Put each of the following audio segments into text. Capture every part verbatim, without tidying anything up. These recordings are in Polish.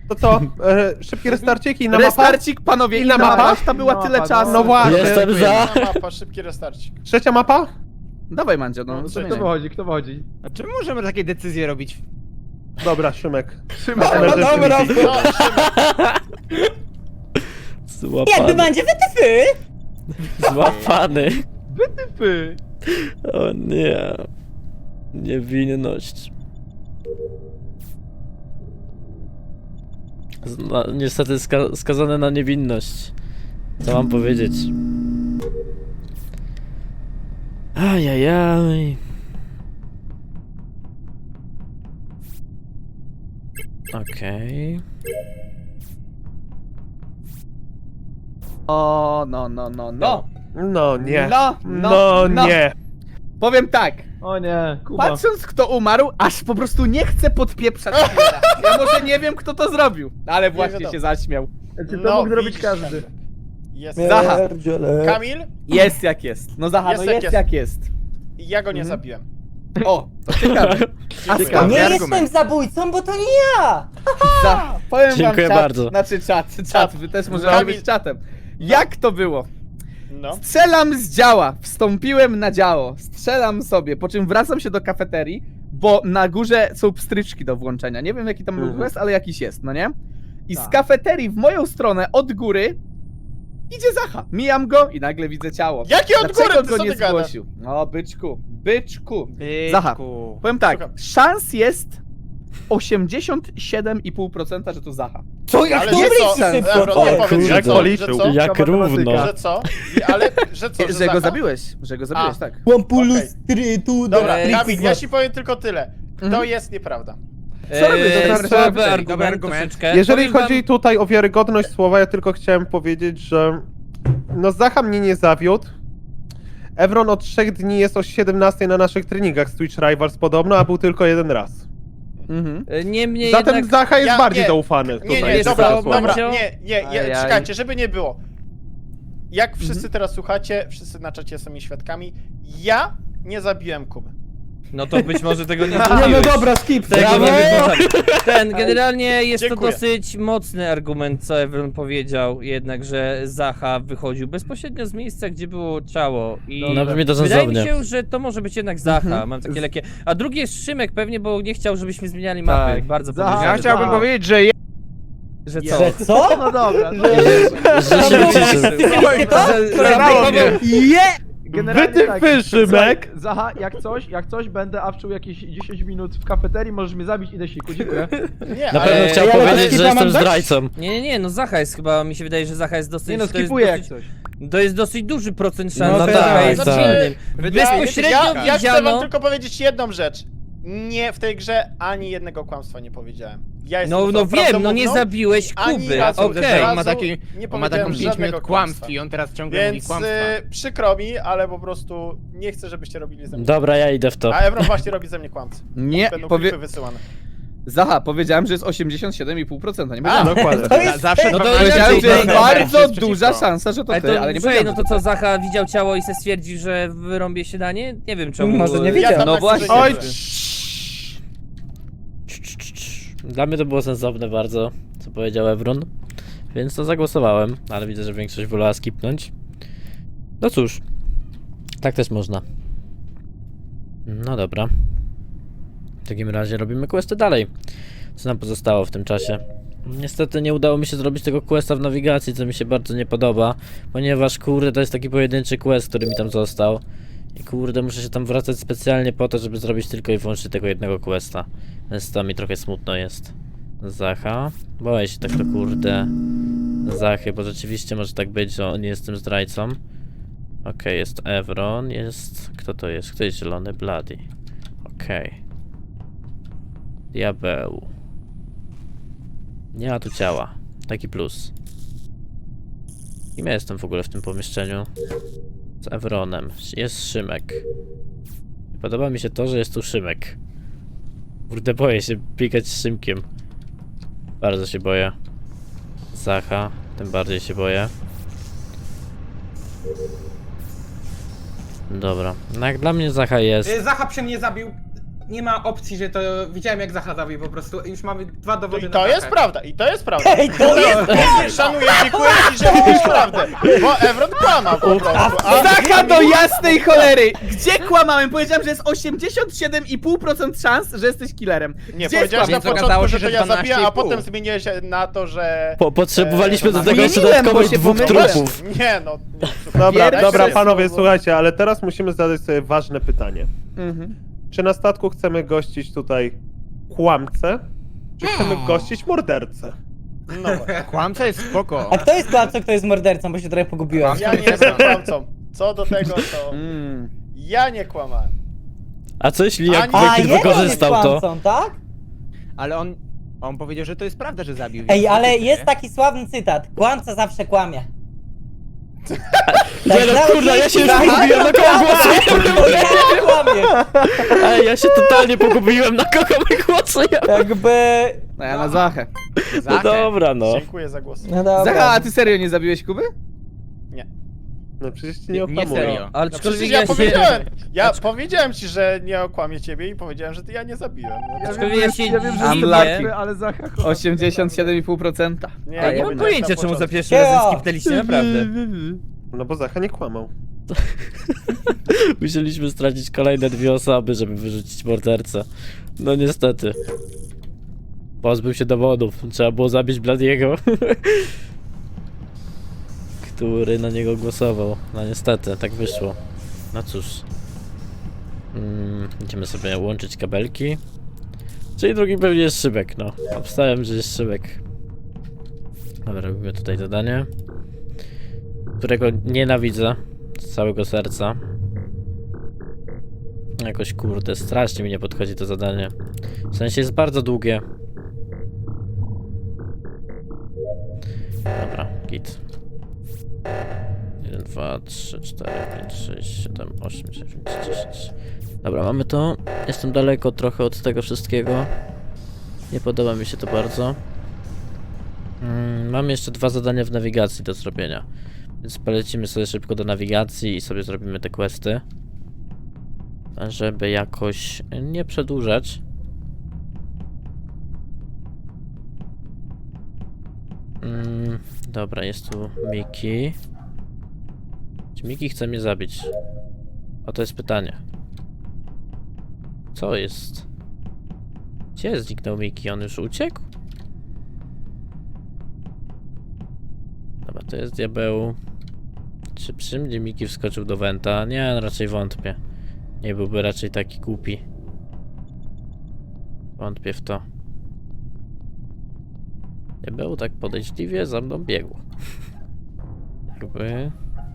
To co? E, szybki restarcik i na mapa? Restarcik, panowie, Inna inna mapa? mapa, to była Inna tyle mapa, czasu. No właśnie. Jestem za. Inna mapa, szybki restarcik. Trzecia mapa? Dawaj, Mandzio, no. No, no co Kto wychodzi, kto wychodzi? A czemu możemy takie decyzje robić? Dobra, Szymek. Szymek. Emergency dobra. meeting. No, Złapany. Jakby będzie wytyfy! Złapany. Wytypy! O nie. Niewinność. Zna, niestety ska skazany na niewinność. Co mam powiedzieć? Ajajaj. Okej. O, no, no, no, no. No nie. No, no, No no. nie. Powiem tak, O nie, Kuba. patrząc kto umarł, aż po prostu nie chcę podpieprzać killera. Ja może nie wiem kto to zrobił, ale właśnie wiadomo. się zaśmiał. Czy to no, mógł zrobić widzisz, każdy? Jest. Zaha. Kamil? Jest jak jest. No Zaha, Jest no jak jest jest. jak jest. Ja go nie Mhm. zabiłem. O, to ciekawe. A Nie skąd? jestem zabójcą, bo to nie ja! Za, powiem Dziękuję wam czat, bardzo. znaczy czat, czat, wy też możecie Kamil. być czatem. Jak to było? No. Strzelam z działa, wstąpiłem na działo, strzelam sobie, po czym wracam się do kafeterii, bo na górze są pstryczki do włączenia. Nie wiem jaki tam był Mhm. quest, ale jakiś jest, no nie? I z Tak. kafeterii w moją stronę od góry idzie Zacha. Mijam go i nagle widzę ciało. Jakie od Dlaczego góry, ty go co nie ty gadasz? zgłosił? No byczku, byczku. Byczku. Zaha. Powiem tak, Słucham. szans jest osiemdziesiąt siedem i pół procent, że to Zacha. Co, jak Ale to że co? szybko? Ebro, O, nie powiedz, kurde. że Jak co? policzył. Że co? Jak równo. Że co? I- Ale, że co? Że, Że go Zacha? zabiłeś, że go zabiłeś, A. tak. Łampulu Okej. strytu, Dobra, do Kamil, ja ci powiem tylko tyle. To Mhm. jest nieprawda. Co robię? Eee, Dobra, słaby dobra, argument, dobra, argument. troszeczkę. Jeżeli Powiem wam- chodzi tutaj o wiarygodność słowa, ja tylko chciałem powiedzieć, że no Zacha mnie nie zawiódł. Evron od trzech dni jest o siedemnastej na naszych treningach z Twitch Rivals podobno, a był tylko jeden raz. Mhm. E, Niemniej Zatem jednak... Zacha jest Ja- bardziej nie. zaufany. Nie, tutaj. nie, jest dobra, to, dobra, Mandzio? nie, nie, nie, Ajaj. czekajcie, żeby nie było. Jak wszyscy Mhm. teraz słuchacie, wszyscy na czacie są mi świadkami, ja nie zabiłem Kuby. No to być może tego nie Nie, no zrobiłeś. dobra, skip. Tego Brawo! nie wygląda. Ten, generalnie jest Dziękuję. to dosyć mocny argument, co Evron powiedział, jednak, że Zacha wychodził bezpośrednio z miejsca, gdzie było ciało i No brzmi to wydaje mi sensownie. się, że to może być jednak Zacha, Mhm. mam takie lekkie. A drugi jest Szymek pewnie, bo nie chciał, żebyśmy zmieniali mapy, Tak. bardzo Zacha. podejrzany. Ja chciałbym powiedzieć, że je... że co? Że co? No dobra. No. Że się liczy. Zarało mnie. Je! Generalnie Wytyfy, tak, Szymek. słuchaj, Zaha, jak coś, jak coś, będę awczył jakieś dziesięć minut w kafeterii, możesz mnie zabić, idę siku, dziękuję. Nie, Na ale... pewno chciał ja powiedzieć, skipa że mam jestem dać? zdrajcą. Nie, nie, nie, no Zacha jest chyba, mi się wydaje, że Zacha jest dosyć... Nie no, to jest skipuję jak dosyć, coś. to jest dosyć duży procent szans, No że tak, Zacha jest tak. winnym. Ja, Bezpośrednio ja, ja chcę wam widziano... tylko powiedzieć jedną rzecz. Nie, w tej grze ani jednego kłamstwa nie powiedziałem. Ja jestem No, no osobą wiem, no nie prawdomówną, zabiłeś ani Kuby, razu, okej. razu Okay. nie Ma taki, powiedziałem on ma taką żadnego pięć minut kłamstw i on teraz ciągle mówi Więc kłamstwa. y, przykro mi, ale po prostu nie chcę, żebyście robili ze mnie. Dobra, ja idę w to. A Evron właśnie robi ze mnie kłamstwo. Nie, Będą powie... klipy wysyłane. Zaha, powiedziałem, że jest osiemdziesiąt siedem i pół procent, nie powiedziałem. Dokładnie. To jest Zawsze fake. no to Powiedziałem, że jest inaczej, bardzo jest duża przeciwko. szansa, że to Ale ty, to, ale nie słuchaj, powiedziałem. no to co, Zacha widział ciało i se stwierdził, że wyrąbie się danie? Nie wiem czemu. Może nie Ja wiedział. tam No na właśnie. górze Oj, siedzę. Dla mnie to było sensowne bardzo, co powiedział Evron. Więc to zagłosowałem, ale widzę, że większość wolała skipnąć. No cóż, tak też można. No dobra. W takim razie robimy questy dalej. Co nam pozostało w tym czasie? Niestety nie udało mi się zrobić tego questa w nawigacji, co mi się bardzo nie podoba. Ponieważ kurde, to jest taki pojedynczy quest, który mi tam został. I kurde, muszę się tam wracać specjalnie po to, żeby zrobić tylko i wyłącznie tego jednego questa. Więc to mi trochę smutno jest. Zacha. Boję się tak to kurde Zachy, bo rzeczywiście może tak być, że nie jestem zdrajcą. Okej, okay, jest Evron, jest... Kto to jest? Kto jest zielony? Bloody. Okej. Okay. Diabeł. Nie ma tu ciała. Taki plus. Kim ja jestem w ogóle w tym pomieszczeniu? Z Evronem. Jest Szymek. Nie podoba mi się to, że jest tu Szymek. Kurde, boję się biegać z Szymkiem. Bardzo się boję. Zacha, tym bardziej się boję. Dobra, no jak dla mnie Zacha jest... Zacha przy mnie zabił. nie ma opcji, że to widziałem jak Zacha zabił po prostu. Już mamy dwa dowody I na to Zachę. jest prawda, i to jest prawda. Ej, to jest Szanuję, dziękuję ci, że mówisz prawdę. Bo Evron kłamał po prostu. A Zacha do jasnej cholery! Gdzie kłamałem? Powiedziałem, że jest osiemdziesiąt siedem i pół procent szans, że jesteś killerem. nie, Gdzie powiedziałeś na skłamałem? Więc początku, okazało że się, to że ja dwanaście zabiję, i a pół. potem zmieniłeś się na to, że... Po, potrzebowaliśmy do Eee, tego jeszcze zmieniłem, bo dodatkowych się dwóch pomyliłem. trupów. Nie no. Dobra, Pierwszy dobra słowo. panowie, słuchajcie, ale teraz musimy zadać sobie ważne pytanie. Mhm. Czy na statku chcemy gościć tutaj kłamcę, czy chcemy gościć mordercę? No właśnie. Kłamca jest spoko. A kto jest kłamcą, kto jest mordercą, bo się trochę pogubiłem. Ja nie jestem kłamcą. Co do tego, to Mm. ja nie kłamałem. A co jeśli A jak nie- A, Bekir jeden jest wykorzystał to? kłamcą, tak? Ale on, on powiedział, że to jest prawda, że zabił. Ej, więc ale to jest nie. taki sławny cytat. Kłamca zawsze kłamie. Nie no, nawet kurwa, ja się już jeśli- pogubiłem, na kogo głosuję? Nie kłamie. Ej, ja się totalnie pogubiłem, na kogo my głosujemy. Jakby... No ja na Zachę. No Zachę. dobra, no. Dziękuję za głos. No dobra. Zacha, a ty serio nie zabiłeś Kuby? No przecież cię nie Nie okłamuję. serio. Ale No aczkolwiek przecież ja ja się... powiedziałem, ja powiedziałem ci, że nie okłamię ciebie i powiedziałem, że ty ja nie zabiłem. No, Ja Aczkolwiek wiem, ja że, się ja wiem, że dziwię. jestem martwy, ale Zacha kocha. osiemdziesiąt siedem i pół procent. nie, Ej, nie mam powiedziałem pojęcia, na czemu za początku. pierwszym razem Ja. skipnęliście, naprawdę. No bo Zacha nie kłamał. Musieliśmy stracić kolejne dwie osoby, żeby wyrzucić mordercę. No niestety. Pozbył się dowodów. Trzeba było zabić Bladiego. Który na niego głosował. No niestety, tak wyszło. No cóż. Mm, będziemy sobie łączyć kabelki. Czyli drugi pewnie jest Szybek, no. Obstałem, że jest Szybek. Dobra, robimy tutaj zadanie. Którego nienawidzę z całego serca. Jakoś kurde, strasznie mi nie podchodzi to zadanie. W sensie jest bardzo długie. Dobra, git. jeden, dwa, trzy, cztery, pięć, sześć, siedem, osiem, dziewięć, dziesięć. Dobra, mamy to. Jestem daleko trochę od tego wszystkiego. Nie podoba mi się to bardzo. Mm, mam jeszcze dwa zadania w nawigacji do zrobienia. Więc polecimy sobie szybko do nawigacji i sobie zrobimy te questy. Żeby jakoś nie przedłużać. Mm, dobra, jest tu Miki. Czy Miki chce mnie zabić? O, to jest pytanie. Co jest? Gdzie zniknął Miki? On już uciekł? Dobra, to jest diabeł. Czy przy mnie Miki wskoczył do Wenta? Nie, no raczej wątpię. Nie byłby raczej taki głupi. Wątpię w to. Diabeł tak podejrzliwie za mną biegł. Jakby...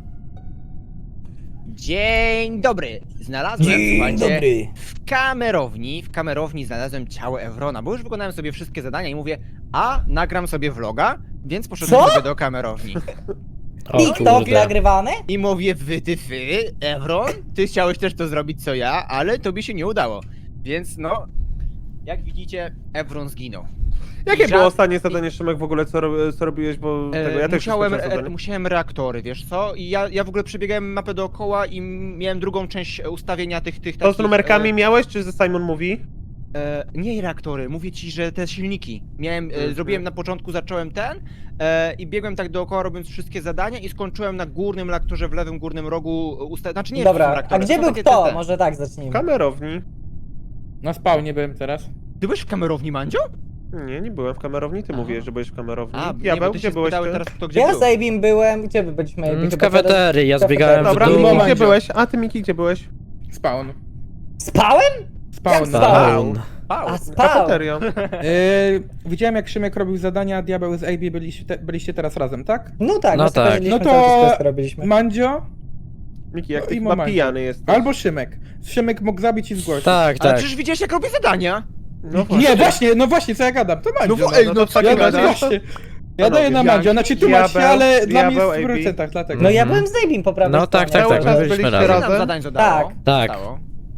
Dzień dobry. Znalazłem, Dzień słuchajcie, dobry. w kamerowni, w kamerowni znalazłem ciało Evrona, bo już wykonałem sobie wszystkie zadania i mówię, a nagram sobie vloga, więc poszedłem Co? sobie do kamerowni. O TikTok kurde. nagrywany? I mówię, wy ty fy, Evron, ty chciałeś też to zrobić co ja, ale tobie się nie udało. Więc no, jak widzicie, Evron zginął. Jakie I było ża- ostatnie zadanie, Szymek, w ogóle, co, ro- co robiłeś, bo E, tego ja też musiałem, skończyłem e, zadanie. musiałem reaktory, wiesz co? I ja, ja w ogóle przebiegałem mapę dookoła i miałem drugą część ustawienia tych, tych To z takich, numerkami e, miałeś, czy ze Simon mówi? E, nie reaktory, mówię ci, że te silniki. Miałem, e, Mhm. zrobiłem na początku, zacząłem ten e, i biegłem tak dookoła robiąc wszystkie zadania i skończyłem na górnym reaktorze w lewym górnym rogu usta... Znaczy nie wiem, czy są Dobra, a reaktory, gdzie są był takie kto? te- te. Może tak W zacznijmy. kamerowni. Na spawnie byłem teraz. Ty byłeś w kamerowni, Mandzio? Nie, nie byłem w kamerowni, ty Aha. mówiłeś, że byłeś w kamerowni. A, nie, Diabeł, bo ty gdzie się byłeś spytały ty? teraz kto gdzie Ja był. z Abim byłem, gdzie wy byliśmy? Abim? Mm, W Chyba teraz- kafeterii, ja kafeterii. zbiegałem w Dobra, dół. Miki, gdzie Mandzio. byłeś? A ty, Miki, gdzie byłeś? Spawn. Spałem? Spawn. Jak spał? Down. Pał. A spał. Kafeteria. Yy, widziałem jak Szymek robił zadania, a Diabeł z A B byliście, te, byliście teraz razem, tak? No tak, No my sobie tak. chodziliśmy, No cały czas to- questy robiliśmy. Mandzio Miki, jak No ty i chyba momencie. pijany jesteś. albo Szymek. Szymek mógł zabić i zgłosić. Tak, Ale tak. przecież widziałeś jak robię zadania? No Nie, właśnie, no właśnie, co ja gadam, to Mandzio. No, wo- ej, no to co tak ja, ty gadasz? ja, gadasz? właśnie, ja Panowie, daję na Mandzio, znaczy tłumacz się, diabeł, ale dla mnie diabeł, jest w A B. procentach, dlatego. No ja Mhm. byłem z Abim po prawej No tak, stronie. tak, Cały tak, czas my byliśmy byliście razem. razem? Nam zadań zadało. Tak. Tak. Zostało.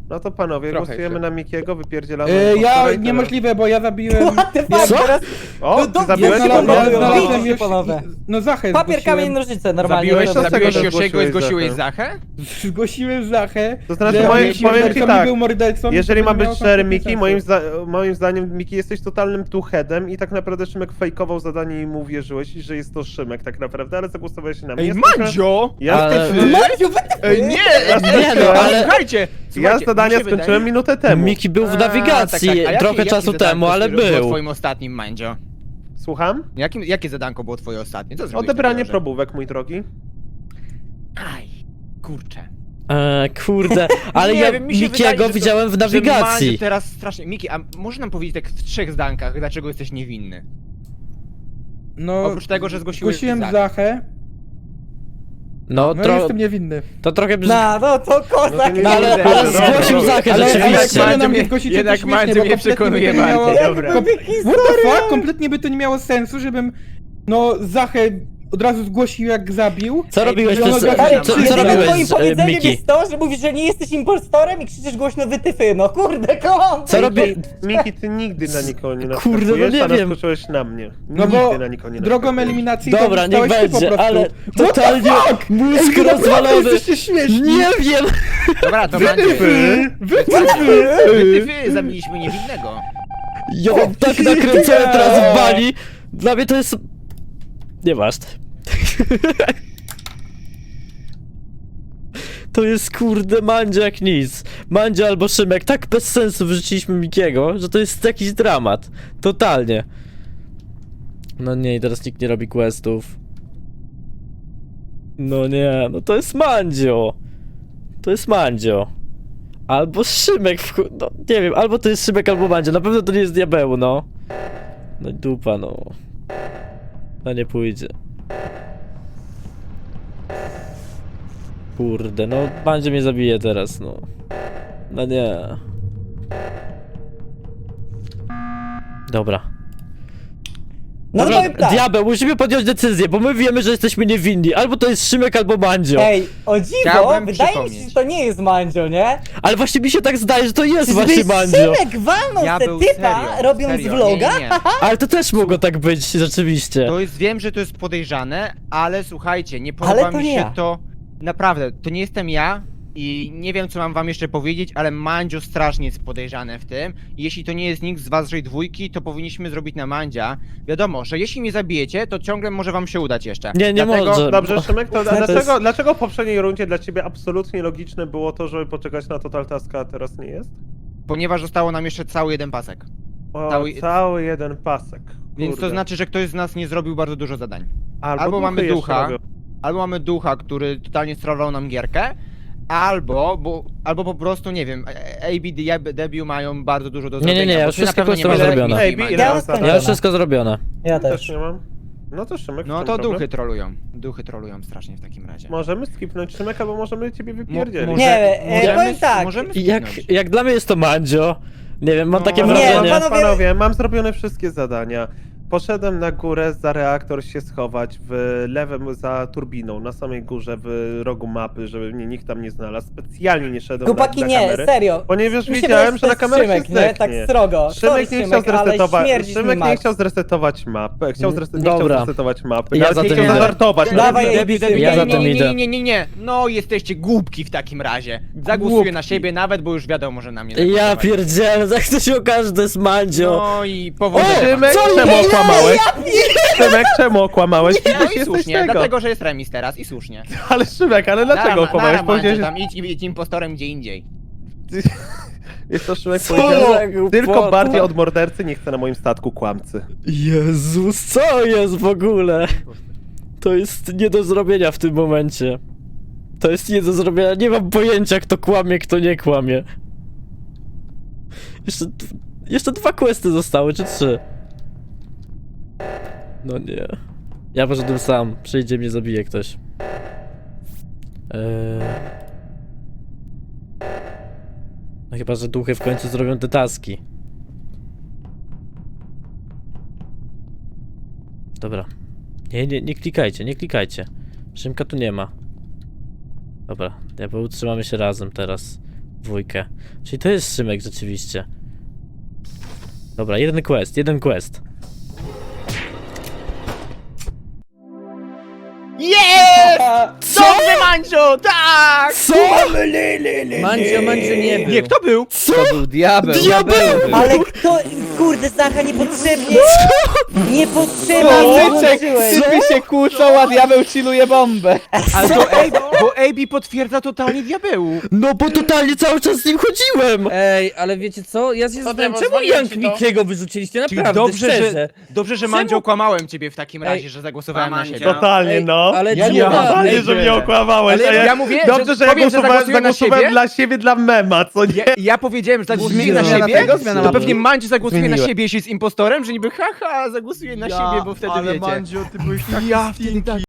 No to panowie, Trochę głosujemy jeszcze. na Mikiego, wypierdzielamy. E, impostora ja i tyle. niemożliwe, bo ja zabiłem... What the fuck, Co? teraz O, No ty dobrze, zabiłeś ja ja znalazłem- kogo? znalazłem- znalazłem Bicie, już... panowie. No Zachę papier, kamień, zgłosiłem. nożyce, normalnie. Zabiłeś to to robię. Dlaczego Zabiłeś zgłosiłeś Josiego i zgłosiłeś Zachę? Zachę? Zgłosiłem Zachę. To znaczy, że moim- jeśli powiem ci mordercą tak, był mordercą, Jeżeli to ma nie być miało szczery, kompletnie Miki, sensu. moim, zda moim zdaniem Miki jesteś totalnym tuchedem i tak naprawdę Szymek fejkował zadanie i mu uwierzyłeś, że jest to Szymek tak naprawdę, ale zagłosowałeś na mnie. Ej, Jesteśmy- Mandzio! Ja, Ale- skończyłem- Maciu, wy Ej, nie! Nie, no, ale- Słuchajcie! ja słuchajcie, zadania mi się skończyłem wydaje- minutę temu. Miki był w A, nawigacji tak, tak. A jakie- trochę jakie czasu zadanko temu, ale było był. twoim ostatnim, Mandzio? Słucham? Jakim, jakie zadanko było twoje ostatnie? Co zrobiłeś Odebranie takiego, że- probówek, mój drogi. Aj, kurczę. E, kurde, ale Nie ja wiem, mi się wydaje, Mikiego że to- widziałem w Że nawigacji. Mandzio teraz strasznie... Miki, a może nam powiedzieć tak w trzech zdankach, dlaczego jesteś niewinny? No, Oprócz tego, że zgłosiłeś zgłosiłem Zachę. Zachę, No, no tro jestem niewinny. to trochę brzmi... No, no to kozak. nie No, ale, Kurde, ale dobra, zgłosił dobra. Zachę Ale, ale rzeczywiście. jak na Mandzio mnie mnie- zgłosicie, jednak to śmiesznie, Mandzio bo mnie kompletnie przekonuje by to nie miało... bardziej, dobra. What the fuck? Kompletnie by to nie miało sensu, żebym no Zachę od razu zgłosił jak zabił. Co robiłeś no, przez... no, Ale Co, co jedynym robiłeś twoim z e, powiedzeniem Miki? jest to, że mówisz, że nie jesteś impostorem i krzyczysz głośno wytyfy. No kurde, kom! Co robi... Miki, ty nigdy na nikogo nie Kurde, no naskakujesz, nie a wiem. naskoczyłeś na mnie. No Nigdy bo na nikogo nie drogą naskakujesz. eliminacji Dobra, to niech zostałeś ty po będzie, prostu. ale What the totalnie fuck? mózg Ej, wy naprawdę rozwalony. jesteście śmieszni. Nie wiem! Dobra, to Mandzio. Wy, wy, Wytyfy, zabiliśmy niewinnego. Ja mam tak nakręcone teraz w bani. Dla mnie to jest... Nieważne. To jest kurde Mandzio jak nic. Mandzio albo Szymek tak bez sensu wrzuciliśmy Mikiego, że to jest jakiś dramat. Totalnie. No nie, i teraz nikt nie robi questów. No nie, no to jest Mandzio. To jest Mandzio. Albo Szymek w chu- no nie wiem, albo to jest Szymek, albo Mandzio. Na pewno to nie jest diabeł, no. No i dupa, no. No nie pójdzie. Kurde, no Mandzio mnie zabije teraz, no. No nie. Dobra. No to Dobra, powiem tak. diabeł, musimy podjąć decyzję, bo my wiemy, że jesteśmy niewinni. Albo to jest Szymek, albo Mandzio. Ej, o dziwo, Chciałbym wydaje mi się, przypomnieć. że to nie jest Mandzio, nie? Ale właśnie mi się tak zdaje, że to jest Czyżby właśnie Mandzio. Szymek walnął Ja te był typa, serio, robiąc serio, vloga? Nie, nie, nie. Ale to też mogło tak być, rzeczywiście. To jest, wiem, że to jest podejrzane, ale słuchajcie, nie Ale podoba to mi nie się ja. to. Naprawdę, to nie jestem ja i nie wiem, co mam wam jeszcze powiedzieć, ale Mandzio strasznie jest podejrzane w tym. I jeśli to nie jest nikt z waszej dwójki, to powinniśmy zrobić na Mandzia. Wiadomo, że jeśli mnie zabijecie, to ciągle może wam się udać jeszcze. Nie, nie Dlatego- może. Dobrze, Szymek, to, a To jest- dlaczego, dlaczego w poprzedniej rundzie dla ciebie absolutnie logiczne było to, żeby poczekać na Total Taska, a teraz nie jest? Ponieważ zostało nam jeszcze cały jeden pasek. O, Cały- cały jeden pasek. Więc to Kurde. znaczy, że ktoś z nas nie zrobił bardzo dużo zadań. Albo, albo duchy mamy jeszcze ducha, robią. Albo mamy ducha, który totalnie sterował nam gierkę, albo, bo, albo po prostu, nie wiem, A B D, Debiu mają bardzo dużo do Nie, nie, zrobienia. nie, ja bo już ty na wszystko pewno nie mam masz zrobione. takich Ej, Mandzio. ile Ja mam już zadań? Ja już wszystko zrobione. Ja Też też. nie mam. No to Szymek, w No czym to problem? duchy trolują. Duchy trolują strasznie w takim razie. Możemy skipnąć Szymek, albo możemy ciebie wypierdzielić. może- Nie, e, możemy- powiem tak. Możemy I Jak, skipnąć. jak dla mnie jest to Mandzio. Nie wiem, mam No, takie nie, wrażenie. no panowie- Panowie, mam zrobione wszystkie zadania. Poszedłem na górę za reaktor się schować w lewym za turbiną, na samej górze w rogu mapy, żeby mnie nikt tam nie znalazł. Specjalnie nie szedłem Chłopaki, na, na nie, kamery. serio. Ponieważ Mi się wiedziałem, wydaje, że na to jest kamerę Szymek, się nie? Tak zdechnie. srogo. Sorry, Szymek nie chciał Szymek, ale zresetować. śmierdzisz mi Szymek nie Max. chciał zresetować mapy. Chciał Mm, zreset... nie chciał dobra. zresetować mapy. Ja Nawet za nie tym chciał idę. zażartować. Dawaj, nawet. Debiu, Debiu, Ja nie, za nie, tym nie, idę. nie, nie, nie, nie. No jesteście głupki w takim razie. Zagłosuję Głupki. na siebie nawet, bo już wiadomo, że na mnie Ja zagłosować. pierdzielę, jak to się okaże, że to jest Mandzio. No i powodzenia. Szymek, Co czemu jest? okłamałeś? Szymek, czemu okłamałeś? No Przecież i jesteś słusznie, tego. dlatego, że jest remis teraz i słusznie. Ale Szymek, ale dlaczego Nara, okłamałeś? nara, Powiedziałeś, Mandzio, tam idź i być impostorem gdzie indziej. jest to Szymek Co powiedział, za głupota. tylko bardziej od mordercy nie chce na moim statku kłamcy. Jezus, co jest w ogóle? To jest nie do zrobienia w tym momencie. To jest nie do zrobienia, nie mam pojęcia kto kłamie, kto nie kłamie. Jeszcze, d- jeszcze dwa questy zostały, czy trzy? No nie. Ja poszedłem sam, przyjdzie mnie zabije ktoś. Eee... No chyba, że duchy w końcu zrobią te taski. Dobra. Nie, nie, nie klikajcie, nie klikajcie. Szymka tu nie ma. Dobra, diabeł, trzymamy się razem teraz. dwójkę. Czyli to jest Szymek rzeczywiście. Dobra, jeden quest, jeden quest. Jest! Dobrze, Mandzio, tak! Co? Mandzio, Mandzio nie był. Nie, kto był? Co? To był diabeł. Diabeł! Ale kto... Kurde, Zacha, niepotrzebnie! Niepotrzebnie Typek, włączyłeś! typy się kłócą, a diabeł chilluje bombę. Ale to A B, bo A B potwierdza totalnie diabełu. No bo totalnie cały czas z nim chodziłem! Ej, ale wiecie co? Ja się zastanawiam, Diabeł, czemu zwaliłem Jank ci to. Mikiego wyrzuciliście? Czyli Naprawdę, dobrze, szczerze. że, dobrze, że Mandzio okłamałem ciebie w takim razie, Ej, że zagłosowałem na siebie. Totalnie, Ej, no. ale ja czemu nie tak? totalnie, Ej, że mnie okłamałeś. Ale a ja, ja mówię, dobrze, że że ja powiem, że głosowałem, zagłosuję na zagłosowałem siebie. dla siebie, dla mema, co nie? Ja, ja powiedziałem, że zagłosuję na Zmiana siebie, tego? Zmiana to mapy? pewnie Mandzio zagłosuje na Zmieniłem. siebie, jeśli jest impostorem, że niby haha, zagłosuje na siebie, bo wtedy ale wiecie. Mandzio, ty byłeś taki Ja stinky.